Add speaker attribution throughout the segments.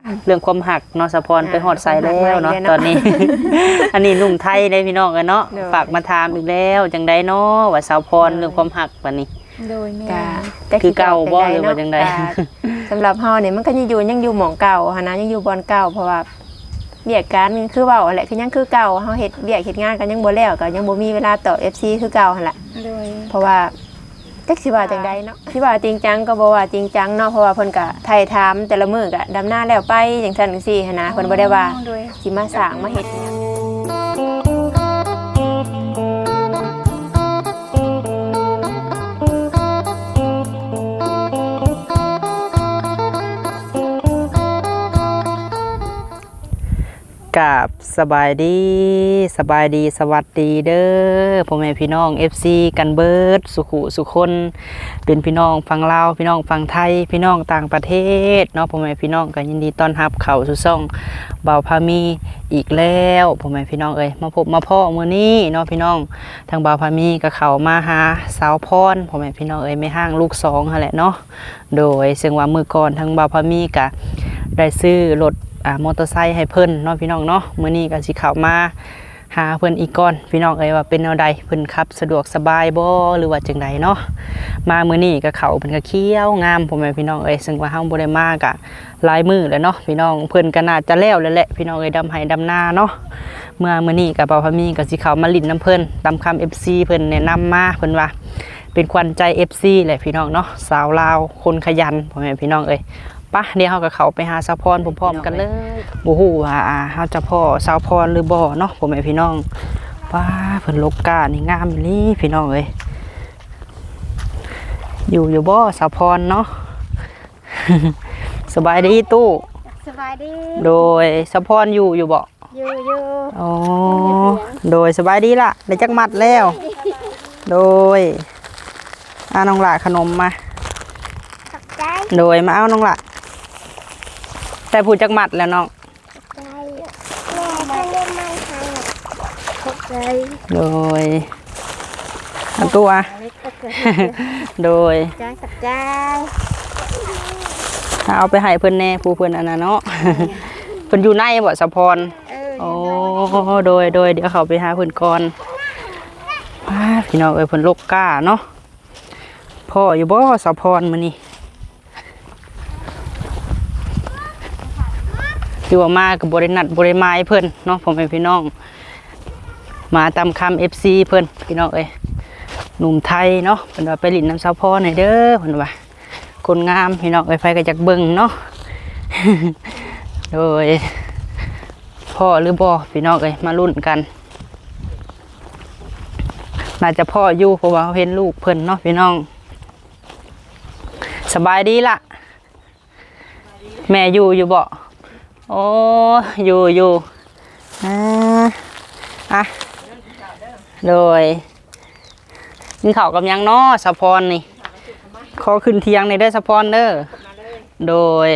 Speaker 1: เรื่องความหักเนาะสะพรไปฮอดใส่แล้วเนาะตอนนี้ อันนี้หนุ่มไทยได้พี่น้องกันเนาะฝากมาถามอีกแล้วจังไดเนาะว่าสาวพรเรื่องความหักบัดนี้
Speaker 2: โดยแม่
Speaker 1: คือเก่าบ่หรือว่าจังได
Speaker 3: สำหรับเฮาเนี่ยมันก็ยังอยู่หม่องเก่าหั่นนะยังอยู่บ่อนเก่าเพราะว่าเวียกการคือเว้าแหละคือยังคือเก่าเฮาเฮ็ดเวียกเฮ็ดงานกันยังบ่แล้วก็ยังบ่มีเวลาตอบ FC คือเก่าหั่นล่ะ
Speaker 2: โดย
Speaker 3: เพราะว่าจักสิว่าจังไดเนาะสิว่าจริงจังก็บ่ว่าจริงจังเนาะเพราะว่าเพิ่นก็ไถ่ถามแต่ละมื้อก็ดำนาแล้วไปจังซั่นจังซี่หั่นนะเพิ่นบ่ได้ว่าสิมาสร้างมาเฮ็ดหยัง
Speaker 1: กับสบายดีสวัสดีเด้อพ่อแม่พี่น้อง FC กันเบิดสุขุสุคนเป็นพี่น้องฝั่งลาวพี่น้องฝั่งไทยพี่น้องต่างประเทศเนาะพ่อแม่พี่น้องก็ยินดีต้อนรับเข้าสู่ช่องบ่าวพามีอีกแล้วพ่อแม่พี่น้องเอ้ยมาพบมาพ้อมื้อนี้เนาะพี่น้องทางบ่าวพามีก็เข้ามาหาสาวพรพ่อแม่พี่น้องเอ้ยไม่ห่างลูก2นั่นแหละเนาะโดยซึ่งว่ามื้อก่อนทางบ่าวพามีก็ได้ซื้อรถมอเตอร์ไซค์ให้เพิ่นเนาะพี่น้องเนาะมื้อนี้ก็สิเข้ามาหาเพิ่นอีกก่อนพี่น้องเอ้ยว่าเป็นแนวใดเพิ่นขับสะดวกสบายบ่หรือว่าจังไดเนาะมามื้อนี้ก็เขาเพิ่นก็เขียวงามพ่อแม่พี่น้องเอ้ยซึ่งว่าเฮาบ่ได้มาก็หลายมื้อแล้วเนาะพี่น้องเพิ่นก็น่าจะแล้วแหละพี่น้องเอ้ยดำไห้ดำนาเนาะมื้อนี้ก็บ่าวพามีก็สิเข้ามาลิ้นน้ำเพิ่นตามคำ FC เพิ่นแนะนำมาเพิ่นว่าเป็นขวัญใจ FC แหละพี่น้องเนาะสาวลาวคนขยันพ่อแม่พี่น้องเอ้ยปะเดี๋ยวเรากับเขาไปหาสาวพรพร้อมๆกันเลยโอ้โหว่าเขาจะพ่อสาวพรหรือบ่เนาะผมไอพี่น้องป้าเพิ่นลกกานี่งามนี่พี่น้องเอ้ยอยู่บ่สาวพรเนาะ สบายดีตู้
Speaker 2: สบายดี
Speaker 1: โดยสาวพรอยู่บ่
Speaker 2: อยู่
Speaker 1: อ๋อโดยสบายดีล่ะได้จักมัดแล้วโดยน้องหล่าขนมมาโดยมาเอาน้องหล่าแต่พูดจักมัดแล้วน้องโดยตัวโดยเอาไปให้เพิ่นแน่ผู้เพิ่นอันนั้นเนาะเพิ่นอยู่ในบ่สะพรโอ้โดยเดี๋ยวเขาไปหาเพิ่นก่อนพี่น้องเอ้ยเพิ่นลกกาเนาะพ่ออยู่บ่สะพรมื้อนี้คือว่ามากับบริณัดบริไม้เพิ่นเนาะผมเป็นพี่น้องมาตามคำ FC เพิ่นพี่น้องเอ้ยหนุ่มไทยเนาะเพิ่นว่าไปลิ้นน้ำสาวพรหน่อยเด้อเพิ่นว่าคนงามพี่น้องเอ้ยไฟก็จักเบิ่งเนาะ โดยพ่อหรือบ่พี่น้องเอ้ยมาลุ้นกันน่าจะพ่ออยู่เพราะว่าเห็นลูกเพิ่นเนาะพี่น้องสบายดีล่ะแม่อยู่บ่โอ้อยู่โดยกินข้าวกับยังน้อสะพรนี่ขอขึ้นเทียงในเด้อสะพรเด้อโดย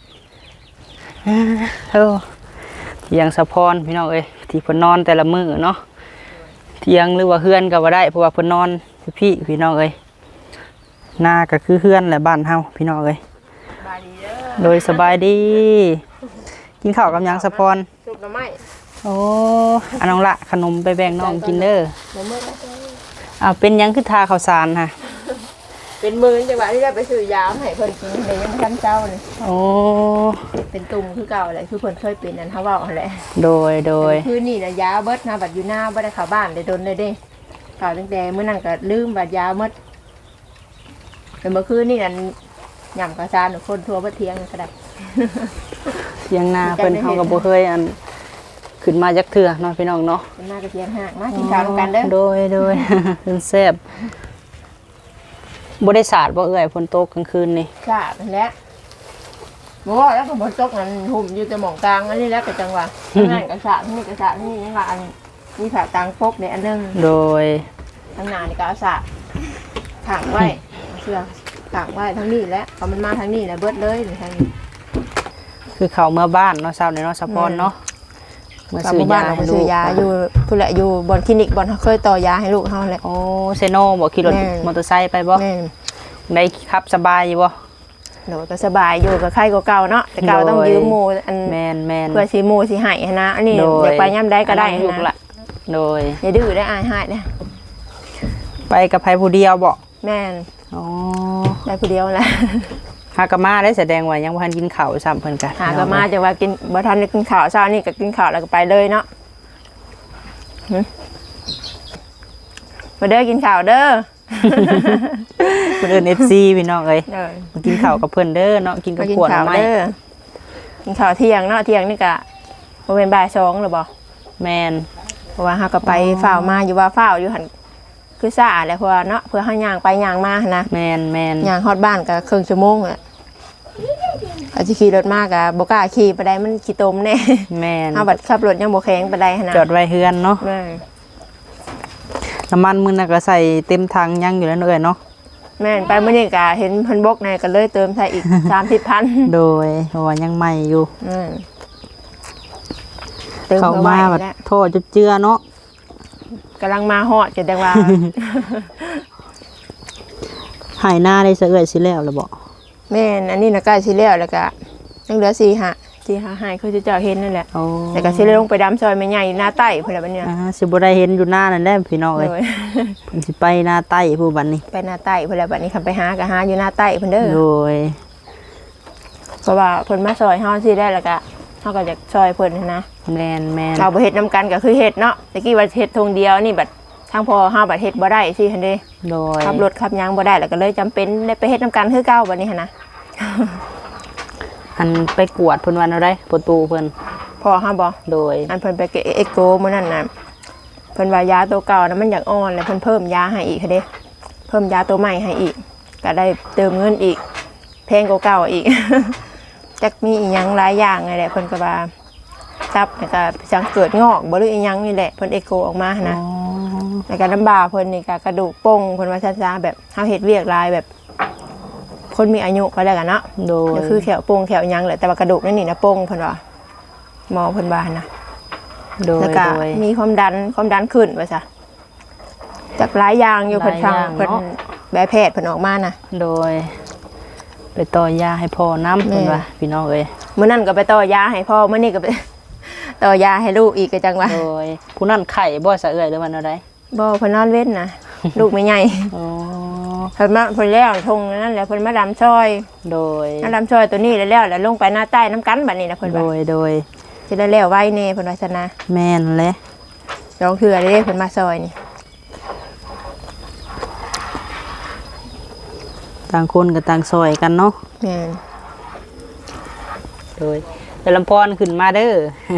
Speaker 1: เทียงสะพรพี่น้องเอ้ยที่เพิ่นนอนแต่ละมื้อเนาะเทียงหรือว่าเฮือนก็ว่าได้เพราะว่าเพิ่นนอนพี่น้องเอ้ยหน้าก็คือเฮือนแหละบ้านเฮาพี่น้องเอ้ยโดยสบายดีกินข้าวกับยังสะพร
Speaker 3: สุกหน่อไม้
Speaker 1: โอ้น้องละขนมไปแบ่งน้องกินเด้อเป็นยังคือทาข้าวสารฮะ
Speaker 3: เป็นมื้อจังหวะที่ได้ไปซื้อยาให้เพิ่นกินได้ยังบ่ทันเจ้าเลย
Speaker 1: โอ้
Speaker 3: เป็นตุ่มคือเก่าแหละคือเพิ่นเคยเป็นนั่นเฮาเว้าหั่นแหละ
Speaker 1: โดย
Speaker 3: คือนี่น่ะยาเบิดนะบัดอยู่หน้าบ่ได้เข้าบ้านได้ดนเลยเด้เข้าตั้งแต่มื้อนั้นก็ลืมบัดยาหมดแต่เมื่อคืนนี่นั่นยำกระซานคนทั่วประเทียงก็ได้
Speaker 1: เทียงนาเพิ่นเฮาก็บ่เคยอันขึ้นมาจักเทื่อเนาะพี่น้องเนาะ
Speaker 3: ขึ้นมากระเทียงหักมากินข้าวกันเด้อ
Speaker 1: โดยเพิ่นแซ่บบ่ได้สาดบ่เอื้อยฝนตกกลางคืนนี่
Speaker 3: สาดนั่นแหละบ่ว่าแล้วก็ฝนตกนั่นหุ่มอยู่แต่หม่องกลางอันนี้แล้วก็จังหวะนั่นก็สาดนี่ก็สาดนี่จังหวะอันนี้สาดกลางปกในอันนึง
Speaker 1: โดย
Speaker 3: ทางหน้านี่ก็เอาสาดขังไว้เสื้อขังไว้ทั้งนี้แหละพอมันมาทางนี้แหละเบิดเลยทางนี้
Speaker 1: คือเขาเมื่อบ้านเนาะเช้าในเนาะสะพรเนาะ
Speaker 3: เมื่อซื้อยาให้ลูกอยู่ผู้แหละอยู่บนคลินิกบนเคยต่อยาให้ลูกเฮาแหละ
Speaker 1: โอ้เซโนบ่ขี่รถมอเตอร์ไซค์ไปบ่ได้ขับสบายอยู่บ่
Speaker 3: โดยก็สบายอยู่กับใครก็เก่าเนาะแต่เก่าต้องยืมหมู่อัน
Speaker 1: แม่น
Speaker 3: เพื่อสิหมู่สิให้หั้นนะอันนี้อยากไปย่ำได้ก็ได้
Speaker 1: ลูก
Speaker 3: นะ
Speaker 1: ละโดย
Speaker 3: อย่าดื้อได้อายหายนะ
Speaker 1: ไปกับไผผู้เดียวบ่
Speaker 3: แม่น
Speaker 1: อ๋อ
Speaker 3: ได้ผู้เดียวแหละ
Speaker 1: หากะมาได้แสดงว่ายังบ่ทันกินข้าวซ้ำเพิ่นกัน
Speaker 3: หาก็มาจะว่ากินบ่ทันได้กินข้าวเช้านี่ก็กินข้าวแล้วก็ไปเลยเนาะมาเด้อกินข้าวเด้อ
Speaker 1: เพิ่นเอิ้น FC พี่น้องเอ้ย
Speaker 3: เด้อ
Speaker 1: มากินข้าวกับเพิ่นเด้อเนาะกินกับ
Speaker 3: กิน
Speaker 1: ขวด
Speaker 3: ข้าว
Speaker 1: ไม้
Speaker 3: เด้อกินข้าวเที่ยงเนาะเที่ยงนี่ก็บ่เป็นบ่าย2หรือบ่
Speaker 1: แม่น
Speaker 3: เพราะว่าเฮาก็ไปฝ้าวมาอยู่ว่าฝ้าวอยู่หั่นคือซ่าแหละเพราะว่าเนาะเพื่อเฮาย่างไปย่างมาหั้นนะ
Speaker 1: แม่น
Speaker 3: ย่างฮอดบ้านก็ครึ่งชั่วโมงแหละอาจสิขี่รถมากก็บ่กล้าขี่ไปได้มันขี้ตมแน่
Speaker 1: แม่น
Speaker 3: เฮาบัดขับรถยังบ่แข็งปานใดหั่นนะ
Speaker 1: จอดไว้เฮือนเนาะ
Speaker 3: แม่
Speaker 1: น้ำมันมื้อนั้นก็ใส่เต็มถังยังอยู่แล้วเอ้ยเนาะ
Speaker 3: แม่นไปมื้อนี้ก็เห็นเพิ่นบกในก็เลยเติมใส่อีก 30,000
Speaker 1: โดยเพราะว่ายังใหม่อยู่
Speaker 3: เติม
Speaker 1: เข้า
Speaker 3: เข้า
Speaker 1: มา
Speaker 3: มา
Speaker 1: แบบ
Speaker 3: แล้ว
Speaker 1: โทษจุดเจือเนาะ
Speaker 3: กำลังมาฮอดจะได้ว่า
Speaker 1: หายหน้าได้ซะเอ้ยสิแล้วล่ะบ่
Speaker 3: แม่นอันนี้น่ะใกล้สิแล้วแล้วก็ยังเหลือ4-5หายคือเจ้าเห็นนั่นแหละ
Speaker 1: โอ้
Speaker 3: แต่ก็สิได้ลงไปดำซอยแม่ใหญ่หน้าใต้พุ่นล่ะบัดเนี้ย
Speaker 1: สิบ่ได้เห็นอยู่หน้านั่นแหละพี่น้องเอ้ย
Speaker 3: โดย
Speaker 1: เพิ่นสิไปหน้าใต้ผู้บัดนี้
Speaker 3: ไปหน้าใต้พุ่นล่ะบัดนี้คันไปหาก็หาอยู่หน้าใต้พุ่นเด้อ
Speaker 1: โดย
Speaker 3: เพราะว่าเพิ่นมาซอยเฮาสิได้แล้วก็เฮาก็อยากซอยเพิ่นนะ
Speaker 1: แม่น
Speaker 3: เราบ่เฮ็ดนํกันก็คือเฮ็ดเนาะตะกี้ว่าเฮ็ดทงเดียวนี่บัดทางพ่อเฮาบัดเฮ็ดบ่ได้สิหั่นเด้
Speaker 1: โดย
Speaker 3: ขับรถขับหยังบ่ได้แล้วก็เลยจำเป็นได้ไปเฮ็ดนํกันคือเก่าบัดนี้หั่นนะ
Speaker 1: อันไปกวดเพิ่นวันเอาได้ประตูเพิ่น
Speaker 3: พ่อเฮาบ่
Speaker 1: โดย
Speaker 3: อันเพิ่นไปเอ็กโกมื้อนั้นน่ะเพิ่นว่ายาตัวเก่านะมันอยากอ่อนแล้วเพิ่นเพิ่มยาให้อีกค่ะเด้เพิ่มยาตัวใหม่ให้อีกก็ได้เติมเงินอีกแพงกว่าเก่าอีก จักมีอีหยังหลายอย่างนั่นแหละเพิ่นก็ว่าตับแล้วก็สังเกิดงอกบ่หรืออีหยังนี่แหละเพิ่นเอ็กโกออกมาหั้นนะแล้วก็น้ำบาเพิ่นนี่ก็กระดูกโป้งเพิ่นว่าซ่าๆแบบเฮาเฮ็ดเวียกหลายแบบ คนมีอายุก็แล้วกันเนาะ
Speaker 1: โดย
Speaker 3: ก็คือแขวโป้งแขวหยังแหละแต่ว่ากระดูกนี่นะโป้งเพิ่นว่าหมอเพิ่นว่านะ
Speaker 1: โดย
Speaker 3: แล้วก็
Speaker 1: โดย
Speaker 3: มีความดันขึ้นว่าซะจากหลายอย่างอยู่เพิ่นฟัง
Speaker 1: หลายอย่าง
Speaker 3: เพิ่น
Speaker 1: เนาะ
Speaker 3: แบบแพทย์เพิ่นออกมานะ
Speaker 1: โดย ไปต่อยาให้พ่อน้ำเพิ่น
Speaker 3: แม่
Speaker 1: ว่าพี่น้องเอ้ย
Speaker 3: มื้อนั้นก็ไปต่อยาให้พ่อมื้อนี้ก็ไป ต่อยาให้ลูกอีกก็จังว่า
Speaker 1: โดยผู้นั้นไข่บ่ซะเอ้ยหรือว่าแนวใด
Speaker 3: บ่เพิ่นนอนเว้นนะ ลูกไม่ใหญ่
Speaker 1: อ๋อ
Speaker 3: เพิ่นมาเพิ่นแล้วทงนั่นแหละเพิ่นมาดำซอย
Speaker 1: โดย
Speaker 3: มาดำซอยตัวนี้แล้วลงไปหน้าใต้น้ำกันบัดนี้นะเพิ่น
Speaker 1: โด
Speaker 3: ว่าย
Speaker 1: โดย
Speaker 3: สิได้แล้วไว้แน่เพิ่นว่าซั่นนะ
Speaker 1: แม่นแหละ
Speaker 3: ลองเทื่อเด้เพิ่นมาซอยนี่
Speaker 1: ต่างคนก็ต่างซอยกันเนาะ
Speaker 3: แม่น
Speaker 1: โดยแต่ลำพรขึ้นมาเด้อ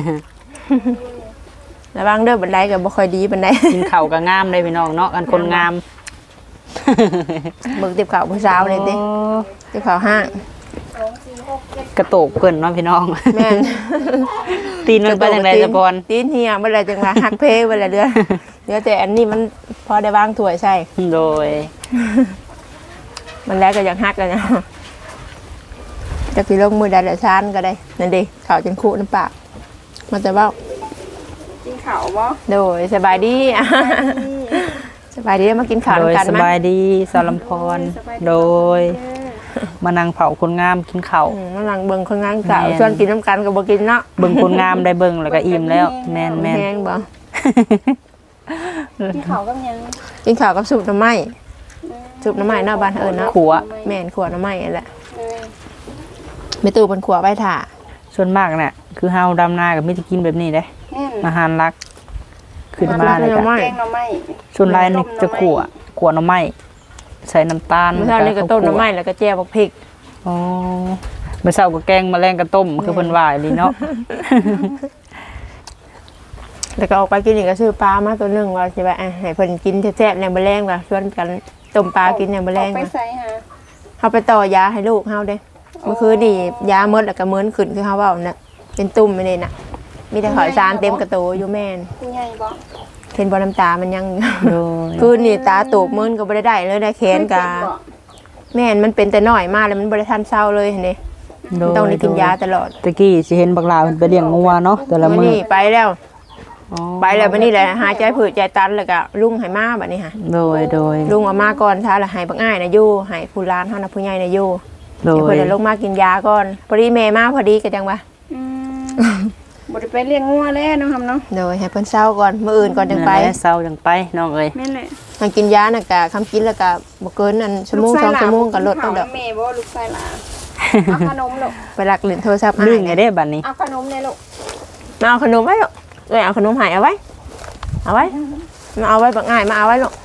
Speaker 3: ระวังเด้อบันไดก็บ่ค่อยดีบันได
Speaker 1: กินข้าวก็งามเลยพี่น้องเนาะกันคนงาม
Speaker 3: เบิ่งติบข้าวผู้สาวนี่ติ
Speaker 1: โอ้
Speaker 3: ติบข้าวห้าง
Speaker 1: กระโตกเพิ่นเนาะพี่น้อง
Speaker 3: แม่น
Speaker 1: ตีนมันไปจังได๋สะพร
Speaker 3: ตีนเหี่ยบ่ได้จังว่าหักเพบ่ได้เดือเหลือแต่อันนี้มันพอได้วางถ้วยใส่
Speaker 1: โดย
Speaker 3: มันแล้วก็ยังหักกันเนาะจักสิลงมือใดละซานก็ได้นั่นดิข้าวจนคุน้ำปากมันจะเว้า
Speaker 2: กินข้าวบ่
Speaker 3: โดยสบายดี สบายดีมากินข้าว
Speaker 1: โดย
Speaker 3: กัน
Speaker 1: ส
Speaker 3: มั้
Speaker 1: บายดีสารลำพรโดย มานั่งเผาคนงามกินข้าว
Speaker 3: มันหลังเบิ่งคนงานข้าว
Speaker 1: แม่น
Speaker 3: ชวนกินน้ำกันก็บ่กินเนาะ
Speaker 1: เบิ่งคนงามได้เบิ่งแล้วก็อิ่มแล้ว แม่น
Speaker 3: แห้งบ่
Speaker 2: กินข้าวกับหยัง
Speaker 3: กินข้าวกับซุปหน่อไม้ซุปหน่อไม้เนาะบ้านเอิ้นเนาะ
Speaker 1: ขัว
Speaker 3: แม่นขัวหน่อไม้นั่นแหละไม่ตู้เป็นขัวไว้ถ่า
Speaker 1: ส่วนมากเนี่ยคือเฮาดำนากับมิตรกินแบบนี้เด้
Speaker 2: แม่น
Speaker 1: อาหารหลัก ขึ้นมาเลย
Speaker 3: หน่
Speaker 1: กั
Speaker 3: อน ไม้
Speaker 2: แกงหน่อไม้
Speaker 1: ส่วนลายนี่จะขั่วหน่อไม้ใส่น้ำตาล
Speaker 3: เมื่อเช้านี่ก็ต้มหน่อไม้แล้วก็แจ่วบักพริก
Speaker 1: อ๋อเมื่อเช้าก็แกงแมลงกระต้มคือเพิ่นว่าอีหลีเนาะ
Speaker 3: แล้วก็ออกไปกินอีกก็ซื้อปลามาตัวหนึงว่าสิว่าให้เพิ่นกินแซ่บๆในมื้อแลงว่าชวนกันต้มปลากินในมื้อแลง
Speaker 2: ไป
Speaker 3: ว่า
Speaker 2: ใส่หา
Speaker 3: เฮาไปต่อยาให้ลูกเฮาเด้เมื่อคืนนี่ยาหมดแล้วก็เหมือนขึ้นคือเฮาเว้าน่ะเป็นตุ่มไปเลยน่ะมีแต่ข่อยสารเต็มกระโตอยู่แม่น
Speaker 2: คุณยายบ่
Speaker 3: เห็นบ่น้ำตามันยัง
Speaker 1: โดย
Speaker 3: คืนนี่ตาโตกมึนก็บ่ได้เลยได้แขนกะแม่นมันเป็นแต่น้อยมากแล้วมันบ่ได้ทันเศร้าเลยเห็นดิ
Speaker 1: โดย
Speaker 3: ต้องได้กินยาตลอด
Speaker 1: ตะกี้สิเห็นบักลาเพิ่นไปเลี้ยงงัวเนาะแต่ละ
Speaker 3: มื้อ
Speaker 1: มื้อ
Speaker 3: นี้ไปแล้ว
Speaker 1: อ๋อ
Speaker 3: ไปแล้วมื้อนี้แหละหายใจผืดใจตันแล้วก็ลุงให้มาบัดนี้ค่ะ
Speaker 1: โดย
Speaker 3: ลุงเอามาก่อนท้าแล้วให้บักอ้ายน่ะอยู่ให้ผู้หลานเฮาน่ะผู้ใหญ่น่ะอยู่
Speaker 1: โด
Speaker 3: เดี๋ยวเพิ่
Speaker 1: ย
Speaker 3: นจะลงมากินยาก่อนพอดีแม่มาพอดีก็จังว่า
Speaker 2: อืมบ่ได้ไปเลี้ยงงัวแล้วเนาะครับเนาะ
Speaker 3: โดยให้เพิ่นเศร้าก่อนมื้ออื่นก่อนจังไป
Speaker 1: นั่นแหละเศร้าจังไปน้องเอ้ย
Speaker 2: แม่นแหละ
Speaker 3: มันกินยาน่ะก็คำกินแล้วก็บ่เกินอันชั่วโมง2ชั่วโมงก็ลดเอาดอก
Speaker 2: แม่บ่ลูกชายหลานเอาขนมลูก
Speaker 3: ไปลักเล่นโทรศัพท์
Speaker 1: ลื่
Speaker 3: อ้าน ย
Speaker 1: ไงเด้บัดนี้
Speaker 2: เอาขนมเลยลูก
Speaker 3: มาเอาขนมไว้ลูกเอ้ยเอาขนมให้เอาไว้เอาไว้มาเอาไว้บักง่ายมาเอาไว้ลูก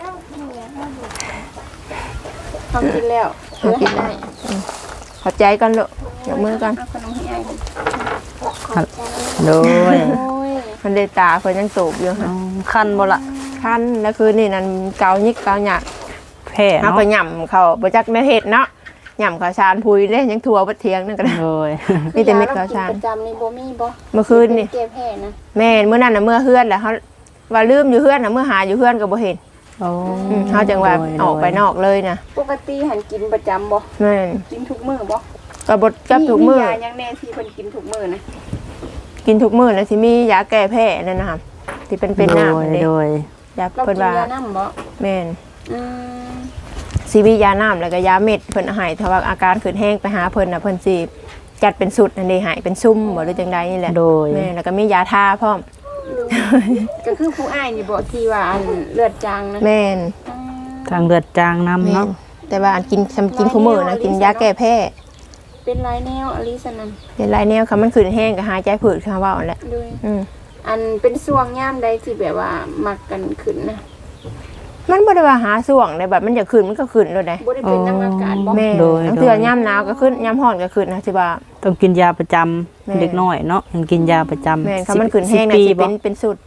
Speaker 2: ทำกินแล้ว
Speaker 3: เอากินได้ ขอบใจกันลูกยกมือกัน
Speaker 2: เอาขนมให้อ้าย
Speaker 1: โดย
Speaker 2: โอ้ย
Speaker 3: มันได้ตาเพิ่นยังโตบอยู่
Speaker 1: อ๋
Speaker 3: ค่ะ
Speaker 1: อคันบ่ล่ะ
Speaker 3: คันแล้วคือนี่นั่นเกายิกเกาหยัก
Speaker 1: แพ้
Speaker 3: เฮา
Speaker 1: เนาะ
Speaker 3: ก็ย่ำเขาบ่จักแม่เฮ็ดเนาะย่ำข้าวสารพุยเด้ยังทั่วบ่เที่ยงนั่นก็ได้
Speaker 1: โดย
Speaker 3: มีแต่เม็ดข้าวสาร
Speaker 2: ประจำนี่บ่มีบ่
Speaker 3: เมื่อคืนนี่
Speaker 2: เก็บแพ้นะ
Speaker 3: แม่นมื้อนั้นน่ะเมื่อเฮือนแหละเฮาว่าลืมอยู่เฮือนน่ะเมื่อหาอยู่เฮือนก็บ่เห็น
Speaker 1: โอ้
Speaker 3: เฮาจังว่าออกไปนอกเลยนะ
Speaker 2: ปกติหันกินประจำบ่
Speaker 3: แม่น
Speaker 2: กินทุกมื้อบ่
Speaker 3: ก็บ่กับทุกมื้อ
Speaker 2: ยายังแน่ที่เพิ่นกินทุกมื้อนะ
Speaker 3: กินทุกมื้อแล้วสิมียาแก้แพ้นั่นนะครับที่เป็นน้ำนั่นเด้
Speaker 1: โดย
Speaker 3: ยา
Speaker 2: เรา
Speaker 3: เพิ่น
Speaker 2: กิน
Speaker 3: ว่าย
Speaker 2: าน้ำบ่
Speaker 3: แม่น
Speaker 2: อืม
Speaker 3: สิมียาน้ำแล้วก็ยาเม็ดเพิ่นให้ถ้าว่าอาการขึ้นแห้งไปหาเพิ่นน่ะเพิ่นสิจัดเป็นสุดนั่นเด้ให้เป็นซุ่มบ่หรือจังใดนี่แหละ
Speaker 1: โดย
Speaker 3: แม่แล้วก็มียาทาพร้อม
Speaker 2: ก็คือผู้อ้ายนี่บ่ที่ว่าอันเลือดจางนะ
Speaker 3: แม่น
Speaker 2: อืม
Speaker 1: ทางเลือดจางน้ำ
Speaker 3: แม่
Speaker 1: เนาะ
Speaker 3: นแต่ว่าอันกินคู่มื้อนะกินยาแก้แพ้
Speaker 2: เป็นลายแนวอลิสนัน
Speaker 3: เป็นหลายแนวค่ะมันขึ้นแห้งก็หายใจผืดค่ะว่าเอาแหละ
Speaker 2: ด้วย
Speaker 3: อืม
Speaker 2: อันเป็นช่วงย่ามใดที่แบบว่ามักกันขึ้นนะ
Speaker 3: มันบ่ได้ว่าหาส่วงได้แบบมันจะขึ้นมันก็ขึ้นโลดได้
Speaker 2: บ่ได้เป็นน้ำอากาศบ่
Speaker 3: แม่บางเทื่อยามหนาวก็ขึ้นยามร้อนก็ขึ้นนะสิว่า
Speaker 1: ต้องกินยาประจำ
Speaker 3: แม่
Speaker 1: เด็กน้อยเนาะยังกินยาประจำ
Speaker 3: แม่นค่ะมันขึ้นแห้งน่ะ
Speaker 1: ปี
Speaker 3: สิ
Speaker 1: บ่
Speaker 3: เป็นสุด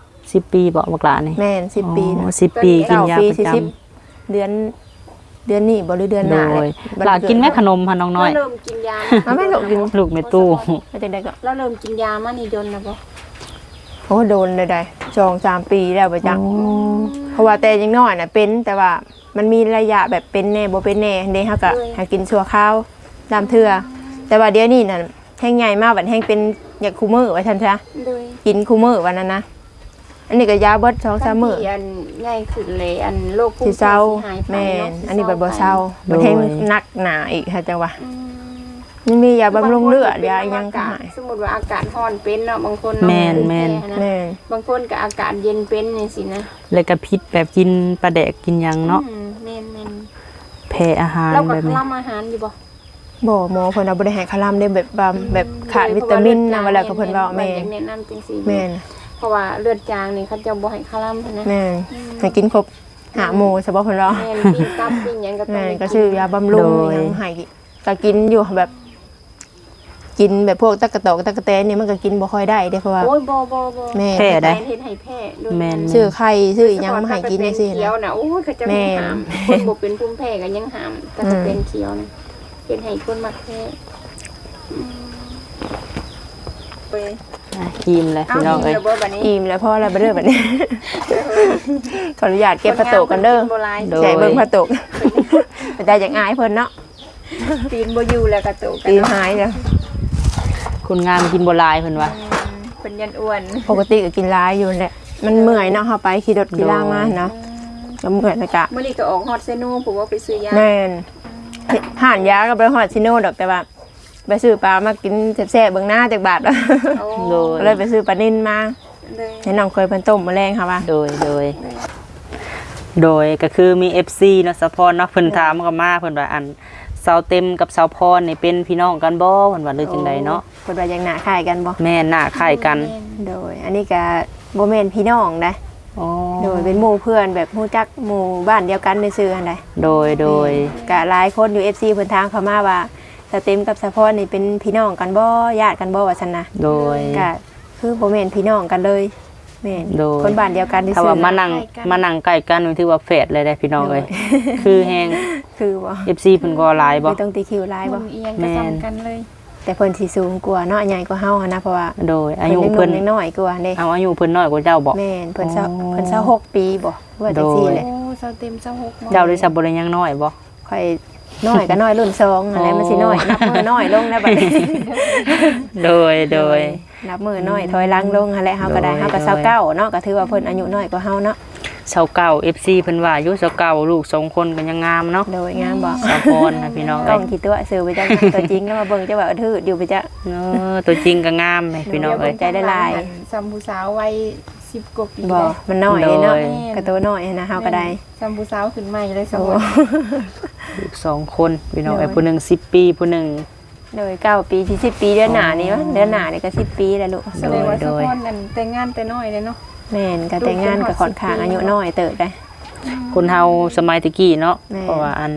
Speaker 1: 10 ปีบ่บักหลานี่
Speaker 3: แม่น10 ปีนะ
Speaker 1: อ๋อ10 ปีกินยา
Speaker 3: ปี
Speaker 1: ประจำ
Speaker 3: 40เดือนนี้บ่หรือเดือนห
Speaker 1: โด
Speaker 3: น้าเลย
Speaker 1: หลากินแม่ขนมค่ะน้องน้อย
Speaker 2: เราเริ่มกินยา
Speaker 3: เอาแม่ลูกกิน
Speaker 1: ลูกแม่ตู้
Speaker 3: แล้วจังได๋ก็
Speaker 2: เราเริ่มกินยามานี่ดนนะบ่
Speaker 3: โอ้โดนเลยได้2-3 ปีแล้วประจักเพราะว่าแต่ยังน้อยน่ะเป็นแต่ว่ามันมีระยะแบบเป็นแน่บ่เป็นแน่เด้เฮาก็หากินชั่วคราวตามเทื่อแต่ว่าเดี๋ยวนี้น่ะแห้งใหญ่มากบัดแห้งเป็นอยากคู่มื้อว่าซั่นซะ
Speaker 2: ด้วย
Speaker 3: กินคู่มื้อวันนั้นนะอันนี้ก็ยาเบิด2-3มื้อ
Speaker 2: อันง่ายขึ้นเลยอันโรคภู
Speaker 3: สิ
Speaker 2: มิ
Speaker 3: เศร้า
Speaker 2: หายไป
Speaker 3: แม่น
Speaker 2: เนาะ
Speaker 3: อันนี้บัดบ่เศร้า
Speaker 1: โดย
Speaker 3: มันแห้งหนักหนาอีกค่ะจังว่า
Speaker 2: อืม
Speaker 3: มันมียาบำรุงเลือดยาอีหยังก็
Speaker 2: บา
Speaker 3: หาย
Speaker 2: สมมุติว่าอากาศร้อนเป็นเนาะบางคนเนาะ
Speaker 1: แม่น
Speaker 2: เป็น
Speaker 1: แม่น
Speaker 2: พ้นะ
Speaker 3: แม่น
Speaker 2: บางคนก็อากาศเย็นเป็นนี่สินะ
Speaker 1: เลยกระพิษแบบกินปลาแดกกินหยังเนาะ
Speaker 2: อืมแม่น
Speaker 1: แพ้อาหาร
Speaker 2: ๆเราก็
Speaker 1: แบบนี้
Speaker 2: ทำอาหารอยู่บ่
Speaker 3: บ่หมอเพิ่นเอาบ่ได้ให้คาลัมได้แบบขาดวิตามินนะเวลาก็เพิ่นเว้าแม่
Speaker 2: อยากแนะนำจังซี่
Speaker 3: แม่น
Speaker 2: เพราะว่าเลือดจางนี่เขาจะบ่ให้คาร่ำนะ
Speaker 3: แม่นให้กินครบ5หมู่เฉพาะเพิ่นเว้า
Speaker 2: แม่นปิ้งตับปิ้งหยังก็ต้อง
Speaker 3: แม่น
Speaker 2: ได้
Speaker 3: ก็ชื่อยาบำรุงหยังให้ก็กินอยู่แบบ กินแบบพวกตะกะตอกตะกะแตนนี่มันก็กินบ่ค่อยได้เด้เพราะว่า
Speaker 2: โอ้ยบ่
Speaker 3: แม่
Speaker 1: แพ้ได้
Speaker 2: เฮ็ดให้แพ้ด้วย
Speaker 1: แม่น
Speaker 3: ซื้อไข่ซื้ออีหยังมาให้กินจังซี่
Speaker 2: เขีย
Speaker 3: นะ
Speaker 2: วน่ะโอ้ยก็จะ
Speaker 3: แม่
Speaker 2: ไม่
Speaker 3: น
Speaker 2: หามคนบ่เป็นภูมิแพ้ก็ยังหามแต่ก็เป็นเขียวนะเป็นให้คนมักแพ้อืมไป
Speaker 1: อ่ะกินเลย
Speaker 2: เอา
Speaker 1: พี่น้อง
Speaker 2: อี
Speaker 1: เอ้
Speaker 2: ก
Speaker 1: ย
Speaker 2: แล้วบ่บัดนี้
Speaker 3: อิ่มแล้วพอแล้วบ่เด้อบัดนี้ ขออนุญาตเก็บผ้าโตกกันเด้อ
Speaker 2: บ่หลาย
Speaker 3: ใส่เบิ่งผ้าโตกแต่ได้จากอายเพิ่นเนาะ
Speaker 2: ตีนบ่อยู่แล้วก็โตกัน
Speaker 3: ตีหายแล้ว
Speaker 1: คนงามกินบ่หลายเพิ่นว่า
Speaker 2: เป็นยันอ้วน
Speaker 3: ปกติก็กินหลายอยู่แหละมันเมื่อยเนาะเฮาไปขี่รถขี่ล่างมาเนาะก็เมื่อยแล้วก็
Speaker 2: มื้อนี้ก็ออกฮอดเซโนผมว่าไปซื้อยา
Speaker 3: แม่นห่านยาก็ไปฮอดซิโนดอกแต่ว่าไปซื้อปลามากินแซ่บๆเบิ่งหน้าจากบาทแล้ว
Speaker 2: โอ้
Speaker 1: โดย
Speaker 3: ก็เลยไปซื้อปลานิ่นมา
Speaker 2: เลย
Speaker 3: ให้น้องเคยเพิ่นต้มมาแรงค่ะว่า
Speaker 1: โดยก็คือมี FC เนาะสะพรเนาะเพิ่นถามก็มาเพิ่นว่าอันเสาเต็มกับเสาพรนี่เป็นพี่น้องกันบ่เพิ่นว่าหรือจังไดเนาะ
Speaker 3: เพิ่นว่ายังหน้าคล้ายกันบ่
Speaker 1: แม่หน้าคล้ายกัน
Speaker 3: โดย อันนี้ก็บ่แม่นพี่น้องนะ
Speaker 1: อ๋อ
Speaker 3: โดยเป็นหมู่เพื่อนแบบฮู้จักหมู่บ้านเดียวกันซื่อๆหั่นใด
Speaker 1: โดย
Speaker 3: ก็หลายคนอยู่ FC เพิ่นทางเข้ามาว่าสเต็มกับสะพรนี่เป็นพี่น้องกันบ่ญาติกันบ่ว่าซั่นนะ
Speaker 1: โดย
Speaker 3: ก็คือบ่แม่นพี่น้องกันเลยแม่น
Speaker 1: โดย
Speaker 3: คนบ้านเดียวกันซื่อ
Speaker 1: ถ้าว่า
Speaker 3: ๆ
Speaker 1: มานั่งใกล้กันนี่ถือว่าแฝดเลยได้พี่น้องเอ้ยคือแฮง
Speaker 3: คือบ่
Speaker 1: FC เพิ่นก็หลายบ่
Speaker 3: ไม่ต้องตีคิวหลายบ่
Speaker 2: บ่เอียงก็ซ้ำกันเลย
Speaker 3: แต่เพิ่นสิสูงกว่าเนาะใหญ่กว่าเฮาหันนะเพราะว่า
Speaker 1: โดยอายุเพิ่น
Speaker 3: ยังน้อยกว่าเด้
Speaker 1: เอาอายุเพิ่นน้อยกว่าเจ้าบ่
Speaker 3: แม่นเพิ่น
Speaker 1: อ๋อ
Speaker 3: เพิ่น26ปีบ่ว่าจังซี่แหละ
Speaker 2: โอ้เซาเต็มเซาหก
Speaker 1: เจ้าได้สับบ่ได้ยังน้อยบ่
Speaker 3: ค่อยน้อยก็น้อยรุ่น2อะไรมันสิน้อยนับมือน้อยลงนะบัดนี้
Speaker 1: โดย
Speaker 3: นับมือน้อยถอยหลังลงหั่นแหละเฮาก็ได้
Speaker 1: โดย
Speaker 3: เฮาก็29เนาะก็ถือว่าเพิ่นอายุน้อยกว่าเฮาเนาะ
Speaker 1: ชาวเก่า FC เพิ่นว่าอยู่ชาวเก่าลูก2คนก็ยังงามเนาะ
Speaker 3: โดยงามบ่
Speaker 1: สาวพรนะพี่น้อง
Speaker 3: ต้
Speaker 1: เอ้
Speaker 3: อย งคิดตัวซื้อไปจักตัวจริงแล้วมาเบิ่งจะว่าทื่ออยู่ไปจัก
Speaker 1: ตัวจริงก็งามเลยพี่น้องเอ้ย
Speaker 3: ใจได้หลาย
Speaker 2: ซัมผู้สาววัย10กว่าปี
Speaker 3: บ่
Speaker 2: เลย
Speaker 3: มันน้อยเลยเนาะ
Speaker 1: โดย
Speaker 3: กระตัวน้อยนะเฮาก็ได้
Speaker 2: ซัมผู้สาวขึ้นใหม่เลยสม
Speaker 3: โอ้
Speaker 2: บูรณ์
Speaker 1: ลูก2คนพี่น้องเอ้ย
Speaker 3: โดย
Speaker 1: ผู้หนึง10ปีผู้หนึง
Speaker 3: โดย9 ปีที่10 ปีเดือนหน้านี่วะเดือนหน้านี่ก็10 ปีแล้วลูก
Speaker 2: แสดงว่า
Speaker 1: โด
Speaker 2: สะ
Speaker 1: ย
Speaker 2: พอนนั่นแต่งงานแต่น้อยเลยเนาะ
Speaker 3: แม่นก็แต่งงานกับค่อนข้างอายุน้อยเติบได้
Speaker 1: คนเฮาสมัยตะกี้เนาะ
Speaker 3: แม่
Speaker 1: เพราะว่าอัน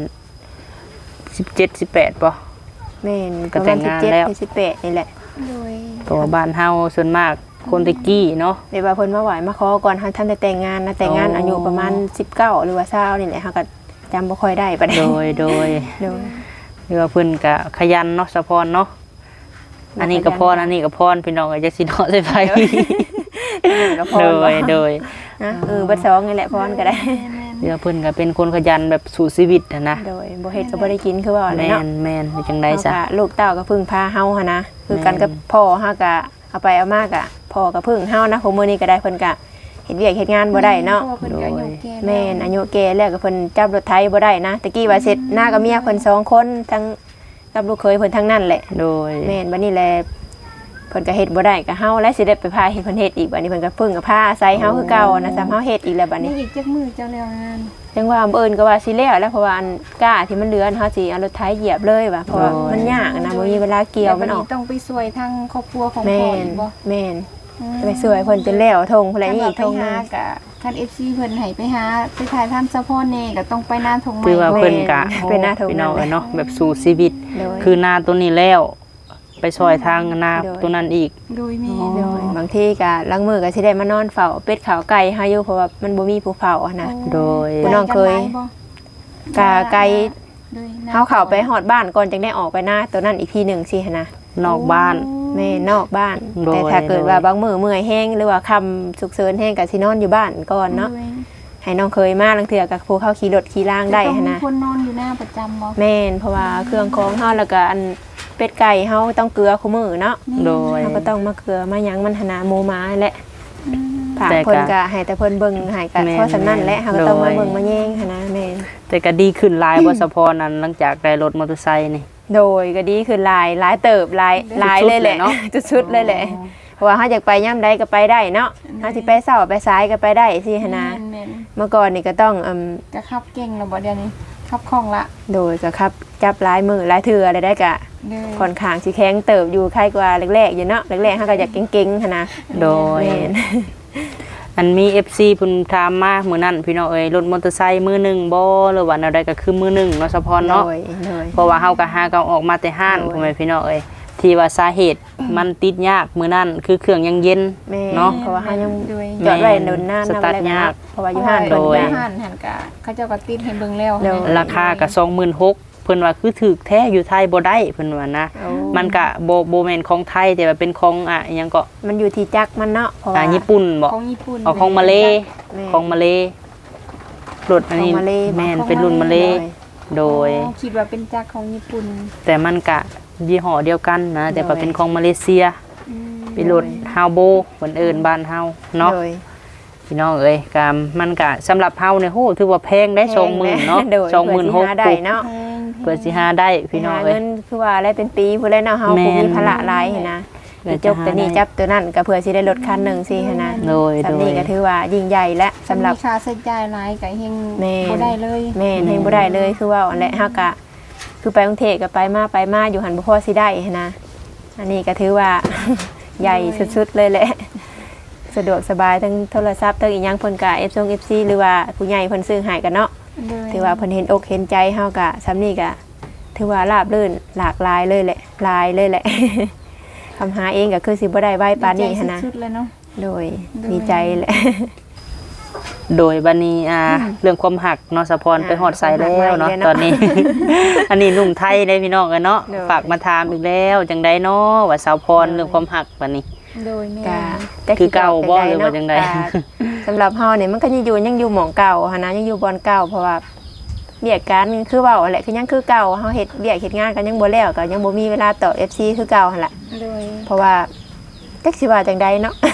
Speaker 1: 17 18ป่ะ
Speaker 3: แม่น
Speaker 1: ก็แต่งงานแล้ว
Speaker 3: ประมณ17 18นี่แหละ
Speaker 2: โดย
Speaker 1: เพราะว่าบ้านเฮาส่วนมากคนตะกี้เนาะ
Speaker 3: เดี๋ยวว่าเพิ่นมาไหวมาขอก่อนเฮาทันได้แต่งงานนะแต่งงาน
Speaker 1: อ๋ออ
Speaker 3: อายุประมาณ19หรือว่า20นี่แหละเฮาก็จำบ่ค่อยได้ปานใด
Speaker 1: โดย
Speaker 3: โดย
Speaker 1: เรียกว่าเพิ่นก็ขยันเนาะสะพรเนาะอันนี้ก็พรอันนี้ก็พรพี่น้องก็จักสิเนาะใส่ไฟ
Speaker 3: ก็พอ
Speaker 1: โด
Speaker 3: บ่
Speaker 1: ยโดย
Speaker 3: นะเบัดสองนี่แหละพรก็ได้
Speaker 1: เรียกว่าเพิ่นก็เป็นคนขยันแบบสู่ชีวิตอะนะ
Speaker 3: โดยบ่เฮ็ดก็บ่ได้กินคือว่าอะไร
Speaker 1: แม่
Speaker 3: เนาะ
Speaker 1: นแม่นเป็นจังได๋ซะ
Speaker 3: เฮาก็ลูกเต้าก็พึ่งพาเฮาหั่นนะคือกัน
Speaker 1: แม่น
Speaker 3: กับพ่อเฮาก็เอาไปเอามากะพ่อก็พึ่งเฮานะของมื้อนี้ก็ได้เพิ่นก็เฮ็ดเวียกเฮ็ดงานบ่ได้เนาะ
Speaker 2: พรเพิ่นก็อายุแก่ล้ว
Speaker 3: แม่นอายุแก่แล้วก็เพิ่นจับรถไถบ่ได้นะตะกี้ว่าเสร็จหน้ากับเมียเพิ่นสองคนทั้งกับลูกเคยเพิ่นทั้งนั้นแหละ
Speaker 1: โดย
Speaker 3: แม่นบัดนี้แหละเพิ่นก็เฮ็ดบ่ได้ก็เฮาและสิได้ไปพาเฮ็ดเพิ่นเฮ็ดอีกบัดนี้เพิ่นก็พึ่งกับพาอาศัยเฮาคือเก่านะซ้ำเฮาเฮ็ดอีกแล้วบัด
Speaker 2: นี่
Speaker 3: นี้
Speaker 2: อีกจักมือเจ้าแล้วงาน
Speaker 3: จังว่าเอิ้นก็ว่าสิแล้วแล้วเพราะว่าอันก้าที่มันเหลือเฮาสิเอารถไถเหยียบเลยว่ะเพราะว่ามันยากนะบ่มีเวลาเกี่ยวมันออก
Speaker 2: ต้องไปช่วยทางครอบครัวของ
Speaker 3: แม่
Speaker 2: พ่อน อีกบ่
Speaker 3: แม่นไปสวยเพิ่นจนแล้วทงพุ่นแหละนี่อีกทงหนึ
Speaker 2: หาง กะคัน FC เพิ่นให้ไปหาไปถ่ายทำสะพอนแน่ก็ต้องไปหน้าทงใหม่
Speaker 1: คือว่าเพิ่นก็
Speaker 3: เป็นหน้าทง
Speaker 1: พี่น้อง
Speaker 3: นั่นแหละ
Speaker 1: เนาะแบบสู่ชีวิต
Speaker 3: โดย
Speaker 1: คือนาตัวนี้แล้ว ไปซอยทางนา
Speaker 3: โดย
Speaker 1: ตัวนั้นอีก
Speaker 2: โดยแม่
Speaker 3: โดยบางทีก็ล้างมือก็สิได้มานอนเฝ้าเป็ดขาวไก่เฮาอยู่เพราะว่ามันบ่มีผู้เฝ้าอะนะ
Speaker 1: โดย
Speaker 3: คุณน้องเคย กาไก่เฮาเข้าไปฮอดบ้านก่อนจังได้ออกไปหน้าตัวนั้นอีกทีหนึงสิหันนะ
Speaker 1: นอกบ้าน
Speaker 3: แม่นอกบ้าน
Speaker 1: โดย
Speaker 3: แต่ถ้าเกิด
Speaker 1: โดย
Speaker 3: ว่าบางมื้อเมื่อยแห้งหรือว่าค่ำฉุกเฉินแห้งก็สินอนอยู่บ้านก่อนเนาะให้น้องเคยมาลังเทื่อกับผู้เข้าขี่รถขี่ล่างได้หันนะ
Speaker 2: คนนอนอยู่หน้าประจำบ่
Speaker 3: แม่นเพราะว่าเครื่องของเฮาแล้วก็อันเป็ดไก่เฮาต้องเกลือคู่มื้อเนาะ
Speaker 1: โดย
Speaker 3: เฮาก็ต้องมาเกลือมาหยังมันหนนาหมูหมาแหละผัก
Speaker 1: แต่ก็
Speaker 3: เพิ่นก็ให้แต่เพิ่นเบิ่งให้ก็
Speaker 1: แม่น
Speaker 3: เพราะฉะนั้นแหละเฮาก็ต้องมา
Speaker 1: โดย
Speaker 3: เบิ่งมาแย่งหันนะแม่น
Speaker 1: แต่ก็ดีขึ้นหลายบ่สะพรนั้นหลังจากได้รถมอเตอร์ไซค์นี่
Speaker 3: โดยก็ดีคือหลายเติบหลายเลยแหละ
Speaker 1: เนาะ
Speaker 3: ชุดๆเลยแหละเพราะว่าเฮาอยากไปย่ํใดก็ไปได้เนาะเฮาสิไปเช้าไปสายก็ไปได้สิหันนะ
Speaker 2: แม่น
Speaker 3: เมื่อก่อนนี่ก็ต้อง
Speaker 2: ๆก็ขับเก่งแล้วบ่เดี๋ยวนี้ขับคล่องละ
Speaker 3: โดยก็ครับจับหลายมือหลายเทื่ออะไรได้ก็
Speaker 2: เด้อ
Speaker 3: ค่อนข้างสิแข็งเติบอยู่ใครกว่าแรกๆอยู่เนาะแรกๆเฮาก็อยากเก่งๆหันนะ
Speaker 1: โดย
Speaker 3: แม่น
Speaker 1: อันมี FC เพิ่นถามมามื้อนั้นพี่น้องเอ้ยรถมอเตอร์ไซค์มือหนึงบ่หรือว่าแนวใดก็คือมือหนึงเนาะสะพรเนาะ
Speaker 3: โดย
Speaker 1: เพราะว่าเฮาก็หาก็ออกมาแต่ห้าน
Speaker 3: โดย
Speaker 1: พ่อแม่พี่น้องเอ้ยที่ว่าสาเหตุมันติดยากมื้อนั้นคือเครื่องยังเย็น
Speaker 3: แม่
Speaker 1: เนาะ
Speaker 3: เพราะว่าเฮายัง
Speaker 2: โดย
Speaker 3: จอดไว้โดนหน้า
Speaker 1: สตาร์ทยาก
Speaker 3: เพราะว่าอยู่ห้าน
Speaker 1: โด
Speaker 3: เพิ่น
Speaker 1: ย
Speaker 3: ก็
Speaker 2: ห้านหันกะเขาเจ้าก็ติดให้เบิ่งแล้ว
Speaker 3: โดย
Speaker 1: ราคาก็26,000เพิ่นว่าคือถูกแท้อยู่ไทยบ่ได้เพิ่นว่านะ
Speaker 3: โอ้
Speaker 1: มันก็บ่แม่นของไทยแต่ว่าเป็นของอิหยังก็
Speaker 3: มันอยู่ที่จักรมันเนาะเพราะว่า
Speaker 1: ญี่ปุ่นบ่
Speaker 2: ของญี่ปุ่น
Speaker 1: เอาของมาเล
Speaker 3: แม่
Speaker 1: ของมาเลรถอันนี้
Speaker 3: ของมาเล
Speaker 1: แม่นเป็นรุ่นมาเลโดย
Speaker 2: อ๋อคิดว่าเป็นจักรของญี่ปุ่น
Speaker 1: แต่มันก็ยี่ห้อเดียวกันนะแต่ว่าเป็นของมาเลเซีย
Speaker 2: อืม
Speaker 1: เป็นรถฮาวโบเหมือนเอิ้นบ้านเฮาเนาะ
Speaker 3: โดย
Speaker 1: พี่น้องเอ้ยก็มันก็สำหรับเฮาเนี่ยโหถือว่าแพงได้ 20,000เนาะ
Speaker 3: โดย
Speaker 1: 26,000
Speaker 3: ได้เนาะ
Speaker 2: แพง
Speaker 1: เพื่อสิหาได้พี่น้อง
Speaker 3: หา
Speaker 1: เอ้
Speaker 3: เงิ
Speaker 1: ย
Speaker 3: นคือว่าอะไรเป็นปีผู้ใดเนาะเฮา
Speaker 1: แม่
Speaker 3: ผู้
Speaker 1: น
Speaker 3: มีภาระหลายหั้นนะ
Speaker 1: เพื่อ
Speaker 3: จบตัวนี้
Speaker 1: จะหาได้
Speaker 3: จับตัวนั้นก็เพื่อสิได้รถคันหนึงสิหั้นนะ
Speaker 1: โดย
Speaker 3: สำนี้ก็ถือว่ายิ่งใหญ่และสำหรับ
Speaker 2: มีค่าใช้จ่ายหลายก็เฮง
Speaker 3: แม่น
Speaker 2: บ่ได้เลย
Speaker 3: แม่นเฮงบ่ได้เลยคือว่าอันแหละเฮาก็คือไปกรุงเทพก็ไปมาอยู่หันบ่พอสิได้หั้นนะอันนี้ก็ถือว่า ใหญ่สุดๆเลยแหละ สะดวกสบายทั้งโทรศัพท์ทั้งอีหยังเพิ่นก็ FC หรือว่าผู้ใหญ่เพิ่นซื้อให้กันเนาะ ถือว่าเพิ่นเห็นอกเห็นใจเฮาก็ซ้ำนี่ก็ถือว่าราบรื่นหลากหลายเลยแหละหลายเลยแหละ คำหาเองก็คือสิบ่ได้ไว้ปานนี้หันนะ
Speaker 2: สุดๆเลยเนาะ
Speaker 3: โดย
Speaker 2: โดย
Speaker 3: ดีใจแหละ
Speaker 1: โดยบัดนี้เรื่องความหักเนาะสะพรไปฮอดไสแล้วเนาะ
Speaker 3: ความหัก
Speaker 1: ตอนนี้ อันนี้หนุ่มไทยได้พี่น้องกันเนาะ
Speaker 3: โดย
Speaker 1: ฝากมาถามอีกแล้วจังไดเนาะว่าสาวพรเรื่องความหักบัดนี้
Speaker 2: โดยแม่
Speaker 3: ก็
Speaker 1: คือเก่าบ่หรือว่าจังใด
Speaker 3: ก็สำหรับเฮานี่มันก็ยังอยู่หม่องเก่าหันนะยังอยู่บอนเก่าเพราะว่าเวียกการคือเว้าแหละคือยังคือเก่าเฮาเฮ็ดเวียกเฮ็ดงานกันยังบ่แล้วก็ยังบ่มีเวลาตอบ FC คือเก่าหั่นล่ะ
Speaker 2: โดย
Speaker 3: เพราะว่าจักสิว่าจังใดเนาะ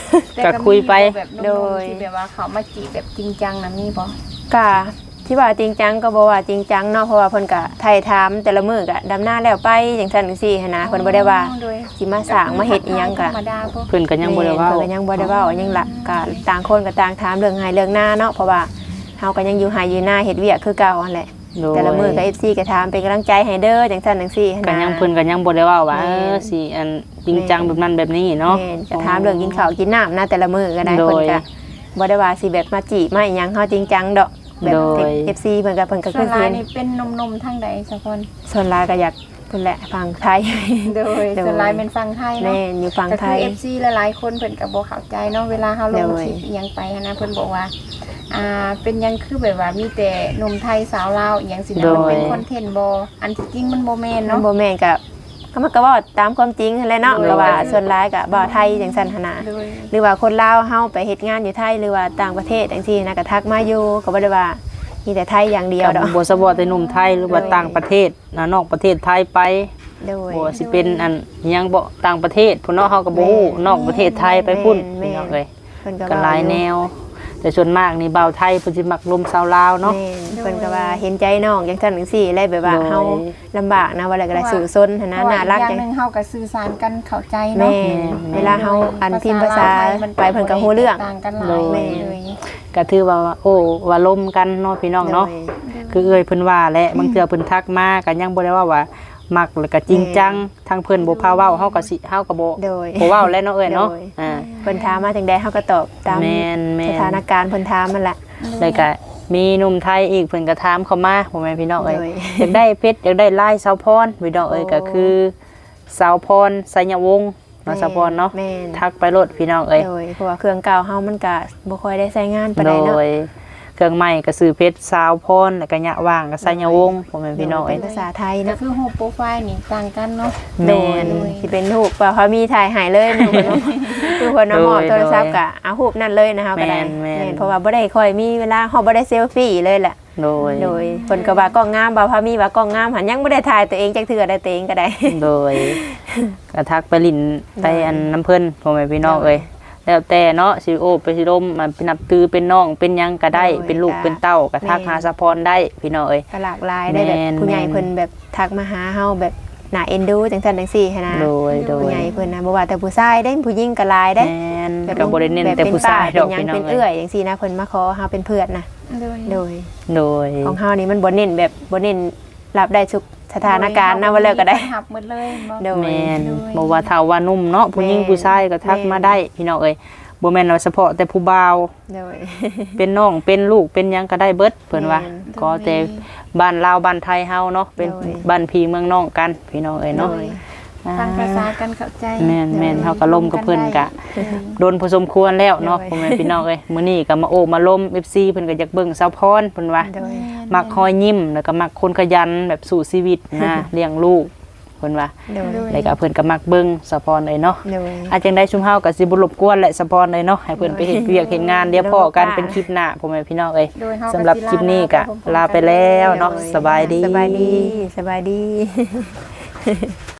Speaker 2: แต่
Speaker 1: ก็คุยไป
Speaker 2: มีแบบโดยที่แบบว่าเขามาจีบแบบจริงจังนะมีบ่
Speaker 3: ก็ที่ว่าจริงจังก็บ่ว่าจริงจังเนาะเพราะว่าเพิ่นก็ไถ่ถามแต่ละมื้อก็ดำหน้าแล้วไปจังซั่นจังซี่หันนะเพิ่นบ่ได้ว่า
Speaker 2: โดย
Speaker 3: สิมาสร้างมาเฮ็ดอีหยังก็
Speaker 2: ธรรมดาบ่
Speaker 1: เพิ่นก็ยังบ่ได้เว้า
Speaker 3: เพิ่นก็ยังบ่ได้เว้าหยังล่ะก็ต่างคนก็ต่างถามเรื่องไห้เรื่องหน้าเนาะเพราะว่าเฮาก็ยังอยู่ไห้อยู่หน้าเฮ็ดเวียกคือเก่าหั่นแหละ
Speaker 1: โดย
Speaker 3: แต่ละมื้อก็ FC ก็ถามเป็นกำลังใจให้เด้อจังซั่นจังซี่หัน
Speaker 1: ก็
Speaker 3: นะ
Speaker 1: ยังเพิ่นก็ยังบ่ได้เว้าว่า
Speaker 3: แม่น
Speaker 1: สิอันจริงจังแบบนั้นแบบนี้เนาะ
Speaker 3: แม่นก็ถามเรื่องกินข้าวกินน้ำนะแต่ละมื้อก็ได้
Speaker 1: โดย
Speaker 3: เพิ่นก็บ่ได้ว่าสิแบบมาจีบมาอิหยังเฮาจริงจังดอกแบบ
Speaker 1: โดย
Speaker 3: FC เพิ่นก็
Speaker 2: ส่
Speaker 3: ขึ้
Speaker 2: วน
Speaker 3: น
Speaker 2: หลาย
Speaker 3: เห็น
Speaker 2: นี่เป็นนมๆทางใดสะพอน
Speaker 3: ส่วนหลายก็อยากเพิ่นแหละฟังไทย
Speaker 2: โดย
Speaker 3: โดย
Speaker 2: ส่วนหลายเป็นฟังไทยเนาะ
Speaker 3: แม่นอยู่ฟัง
Speaker 2: ก็
Speaker 3: ไท
Speaker 2: คือ
Speaker 3: ย
Speaker 2: FC หลายๆคนเพิ่นก็บ่เข้าใจเนาะเวลาเฮาลง
Speaker 3: โดย
Speaker 2: คลิปอีหยังไปหันนะเพิ่นบอกว่าเป็นหยังคือแบบว่ามีแต่หนุ่มไทยสาวลาวอีหยังสินะมันเป็นคอนเทนต์บ่อันที่จริงมันบ่แม่น
Speaker 3: มัน
Speaker 2: เนาะ
Speaker 3: บ่แม่นก็มันก็เว้าตามความจริงนั่นแหละเนาะ
Speaker 2: โดย
Speaker 3: ก็ว่าส่วนหลายก็บ่ไทยจังซั่นหั่นน่ะ
Speaker 2: โดย
Speaker 3: หรือว่าคนลาวเฮาไปเฮ็ดงานอยู่ไทยหรือว่าต่างประเทศจังซี่นะก็ทักมาอยู่ก็บ่ได้ว่ามีแต่ไทยอย่างเดียวดอก
Speaker 1: ก็บ่สะบ่แต่หนุ่มไทยหรือว่าต่างประเทศนะนอกประเทศไทยไป
Speaker 3: โดย
Speaker 1: บ่สิเป็นอันอิหยังบ่ต่างประเทศพุ่นเนาะเฮาก็บ่ฮู้นอกประเทศไทยไปพุ่น
Speaker 3: แม่น
Speaker 1: พี่น้องเอ้ย
Speaker 3: เพิ่นก็
Speaker 1: ก็
Speaker 3: เว้า
Speaker 1: หลายแนว แต่ส่วนมากนี่บ่าวไทยเพิ่นสิมักลมชาวลาวเนาะ
Speaker 3: แม่นเพิ่นก็ว่าเห็นใจน้องจังซั่นจังซี่เลยแบบว่า
Speaker 1: โดย
Speaker 3: เฮาลำบากนะว่าอะไรก็ได้สู่ซนหั่นนะน่ารัก
Speaker 2: อย่า
Speaker 3: จั
Speaker 2: ง
Speaker 3: ง
Speaker 2: หนึงเฮาก็สื่อสารกันเข้าใจเนาะ
Speaker 3: แม่เวลาเฮาอันพิมพ์ภาษาไปเพิ่นก็ฮู้เรื่อง
Speaker 2: ต่างกันหลาย
Speaker 3: แม่
Speaker 2: เลย
Speaker 1: ก็ถือว่าโอ้ว่าลมกันเนาะพี่น้องเนาะ คือเอ้ยเพิ่นว่าแหละบางเทื่อเพิ่นทักมาก็ยังบ่ได้ว่ามักแล้วก็จริงจังทางเพิ่นบ่พาเว้าเฮาก็สิเฮาก็บ่
Speaker 3: โดย
Speaker 1: บ่เว้าแล้วเนาะเอ้ยเนาะ
Speaker 3: โดย
Speaker 1: อ่า
Speaker 3: เพิ่นถามมาจังใดเฮาก็ตอบตาม
Speaker 1: แม่น
Speaker 3: สถานการณ์เพิ่นถามมันแหละ
Speaker 1: แล้วก็มีหนุ่มไทยอีกเพิ่นก็ถามเข้ามาพ่อแม่พี่น้องเอ้ย
Speaker 3: โดย
Speaker 1: อยากได้เพชรอยากได้ลายสาวพรพี่น้องเอ้ย
Speaker 3: โอ้
Speaker 1: ก็คือสาวพรไสยวงศ์เนาะสาวพรเนาะ
Speaker 3: แม่น
Speaker 1: ทักไปโลดพี่น้องเอ้ย
Speaker 3: โดยเพราะว่าเครื่องเก่าเฮามันก็บ่ค่อยได้ใช้งานปาน
Speaker 1: โด
Speaker 3: ใดเนาะ
Speaker 1: ยเครื่องใหม่ก็ซื้อเพชรสาวพรแล้วก็ยะว่างก็ไสยวงศ์พ่อแม่พี่น้อง
Speaker 3: เป็
Speaker 1: เอ้ย
Speaker 3: นภาษาไทย
Speaker 2: ก็
Speaker 3: เนาะ
Speaker 2: คือรูปโปรไฟล์นี่ต่างกันเนาะ
Speaker 1: แม่น
Speaker 3: โดยสิเป็นรูปว่าเขามีถ่ายให้เลยหนูเนาะคือคนเอาหมอบโทรศัพท์ก็เอารูปนั่นเลยนะคะก็ได้
Speaker 1: แม่น
Speaker 3: แม่นเพราะว่าบ่ได้ค่อยมีเวลาเฮาบ่ได้เซลฟี่เลยแหละ
Speaker 1: โดย
Speaker 3: โดยเพิ่นก็ว่ากล้องงามบ่าวพามีว่ากล้องงามหันยังบ่ได้ถ่ายตัวเองจักเทื่อได้ตัวเองก็ได้
Speaker 1: โดยกระทักไปลินไปอันน้ำเพิ่นพ่อแม่พี่น้องเอ้ยแล้วแต่เนาะสิโอไปสิลมมาเป็นนับตือเป็นน้องเป็นหยังก็ได้
Speaker 3: โดย
Speaker 1: เป็นลูก
Speaker 3: จ้ะ
Speaker 1: เป็นเต้ากระทัก
Speaker 3: แม่
Speaker 1: หาสะพรได้พี่น้องเอ้ย
Speaker 3: ก็หลากหลายได้แบบ
Speaker 1: แม่น
Speaker 3: ผู้ใหญ่เพิ่นแบบทักมาหาเฮาแบบน่าเอ็นดูจังซั่นจังซี่หันนะ
Speaker 1: โดยโด
Speaker 3: ผู้
Speaker 1: ย
Speaker 3: ใหญ่เพิ่นนะบ่ว่าแต่ผู้ชายได้ผู้หญิงก็หลายได้
Speaker 1: แม่นก็บ่ได้เน้นแต่ผู้ชายดอก
Speaker 3: เป็นหยัง
Speaker 1: พี่น้อ
Speaker 3: เป็
Speaker 1: ง
Speaker 3: น
Speaker 1: เอ้
Speaker 3: เอื้อย ยจังซี่นะเพิ่นมาขอเฮาเป็นเพื่อนนะ
Speaker 2: โดย
Speaker 3: โดย
Speaker 1: โดย
Speaker 3: ของเฮานี่มันบ่เน้นแบบบ่เน้นรับได้ทุกสถานการณ์นะว่าแล้วก็ได้
Speaker 2: หับหมดเลยบ่
Speaker 3: โดย
Speaker 1: แม่น
Speaker 2: โดย
Speaker 1: บ่ว่าเฒ่าว่านุ่มเนาะผู้หญิง
Speaker 3: แม่น
Speaker 1: ผู้ชายก็ทักมาได้พี่น้องเอ้ยบ่แม่นว่าเฉพาะแต่ผู้บ่าว
Speaker 3: โดย
Speaker 1: เป็นน้องเป็นลูกเป็นหยังก็ได้เบิดเพิ่นว่า
Speaker 3: แม่น
Speaker 1: ก็แต่บ้านลาวบ้านไทยเฮาเนาะเป็น
Speaker 3: โดย
Speaker 1: บ้านพี่เมืองน้องกันพี่น้องเอ้ยเนาะ
Speaker 3: โดย
Speaker 2: ฟังภาษากันเข้าใจ
Speaker 1: แม่นแม่นเฮาก็ล่มกับเพิ่นกะ
Speaker 2: โดย
Speaker 1: โดนพอสมควรแล้วเนาะ
Speaker 3: โดย
Speaker 1: พ่อแม่พี่น้องเอ้ยมื้อนี้ก็มาโอ้มาล้ม FC เพิ่นก็อยากเบิ่งสาวพรเพิ่นว่า
Speaker 3: โดย
Speaker 1: มักคอยยิ้มแล้วก็มักคนขยันแบบสู้ชีวิตนะ เลี้ยงลูกเพิ่นว่า
Speaker 3: โดย
Speaker 1: แล้วก็เพิ่นก็มักเบิ่งสาวพรเอ้ยเนาะ
Speaker 3: โดย
Speaker 1: อาจังได้ชุมเฮาก็สิบ่รบกวนแหละสาวพรเอ้ยเนาะให้เพิ่นไปเฮ็ดเวียกเฮ็ดงานเดี๋ยวพอกันเป็นคลิปหน้าพ่อแม่พี่น้องเอ้ย
Speaker 2: โดยเฮา
Speaker 1: สำหรับคลิปนี้ก็ลาไปแล้วเนาะสบายดี
Speaker 3: สบายดีสบายดี